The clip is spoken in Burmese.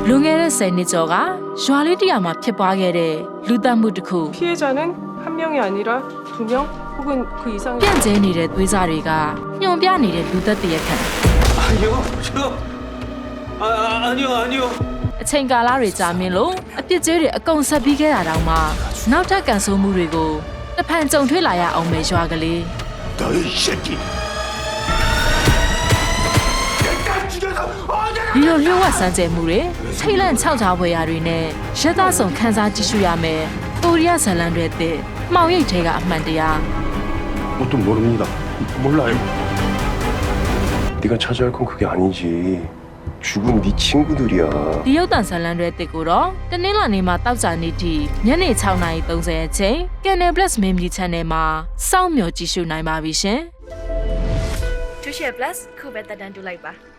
လွန်ခဲ့တဲ့10နှစ်ကျော်ကရွာလေးတရာမှာဖြစ်ပွားခဲ့တဲ့လူသတ်မှုတစ်ခု 피해자는 한 명이 아니라 2명 혹은 그 이상의 ပြန့်ကျဲနေတဲ့သွေးစားတွေကညှို့ပြနေတဲ့လူသက်တရက်ခံ 아니요, 아니요. အချိန်ကာလတွေကြာမြင့်လို့အပြစ်ကျေးတွေအကုန်ဆက်ပြီးခဲ့တာတောင်မှနောက်ထပ်ကန်ဆိုးမှုတွေကိုတစ်ဖန်ကြုံတွေ့လာရအောင်ပဲရွာကလေး 너희 새끼. 내가 죽여서 어디를 ဒီလိုလျှို့ဝှက်စမ်းကြဲမှုတွေထိတ်လန့်ခြောက်ခြားဖွယ်ရာတွေနဲ့ရက်သားဆောင်ခန်းစားကြည့်ရှုရမယ်ကိုရီးယားဇာတ်လမ်းတွေတဲ့မှောင်ရိပ်ထဲကအမှန်တရား 뭣도 모릅니다. 몰라요. 네가 차지할 건 그게 아니지. 죽은 네 친구들이야. ဒီရုပ်တံဇာတ်လမ်းတွေတဲ့ကိုတော့တနင်္လာနေ့မှာတောက်ကြနေ့ထိညနေ6:30အချိန် Canal Plus Memory Channel မှာစောင့်မျှော်ကြည့်ရှုနိုင်ပါပြီရှင် 2 share plus ခုပဲတက်တန်းတူလိုက်ပါ